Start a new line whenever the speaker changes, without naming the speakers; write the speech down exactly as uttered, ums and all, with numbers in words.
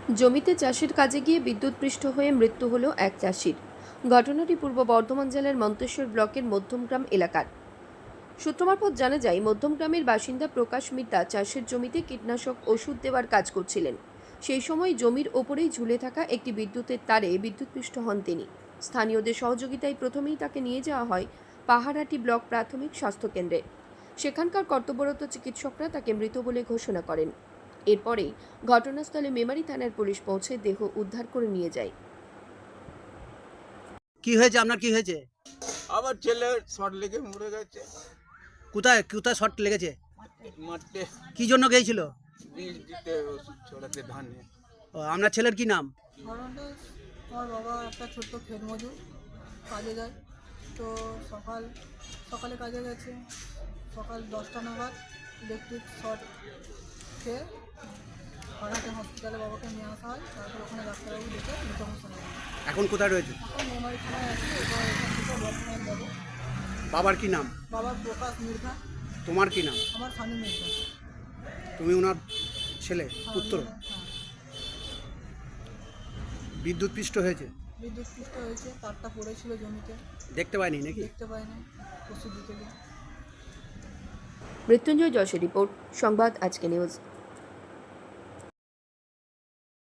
জমিতে চাষের কাজে গিয়ে বিদ্যুৎপৃষ্ট হয়ে মৃত্যু হল এক চাষির। ঘটনাটি পূর্ব বর্ধমান জেলার মন্তেশ্বর ব্লকের মধ্যমগ্রাম এলাকার। সূত্র মারফত জানা যায়, মধ্যমগ্রামের বাসিন্দা প্রকাশ মিত্রা চাষের জমিতে কীটনাশক ওষুধ দেওয়ার কাজ করছিলেন। সেই সময় জমির ওপরেই ঝুলে থাকা একটি বিদ্যুতের তারে বিদ্যুৎপৃষ্ট হন তিনি। স্থানীয়দের সহযোগিতায় প্রথমেই তাকে নিয়ে যাওয়া হয় পাহাড়াটি ব্লক প্রাথমিক স্বাস্থ্যকেন্দ্রে। সেখানকার কর্তব্যরত চিকিৎসকরা তাকে মৃত বলে ঘোষণা করেন। এরপরেই ঘটনাস্থলে মেমারি থানার পুলিশ পৌঁছে দেহ উদ্ধার করে নিয়ে যায়।
কি হয়েছে আপনার, কি হয়েছে?
আবার ছেলে শর্ট লেগে মরে গেছে।
কোথায় কোথায় শর্ট লেগেছে?
মাঠে
কি জন্য গিয়েছিল?
বীজ দিতে, ওষুধ ছড়াতে ধানে।
ও, আপনার ছেলের কি নাম?
ঘটনাটা, আমার বাবা একটা ছোট্ট ক্ষেত মজুর, কাজে যায়। তো সকাল সকালে কাজে গেছে, সকাল দশটা নাগাদ ইলেকট্রিক শর্ট খেয়ে পাড়াতে হসপিটালে বাবাকে নিয়ে আসা হয়। তারপর ওখানে ডাক্তারবাবু দেখে মৃত ঘোষণা করে।
এখন কোথায় রয়েছে?
এখন মেমারি থানায় আছে, এবার এখান থেকে বর্তমানে যাবো।
বাবার কি নাম?
বাবার প্রকাশ মির্জা,
তোমার কি নাম?
আমার স্বামী মির্জা।
তুমি ওনার ছেলে, পুত্র?
হ্যাঁ,
বিদ্যুৎ পৃষ্ঠ হয়েছে,
বিদ্যুৎপৃষ্ট হয়েছে, তারটা পড়েছিল জমিতে,
দেখতে পাইনি নাকি?
দেখতে পাইনি, ওষুধ দিতে গিয়ে।
মৃত্যুঞ্জয় যশের রিপোর্ট, সংবাদ আজকে নিউজ।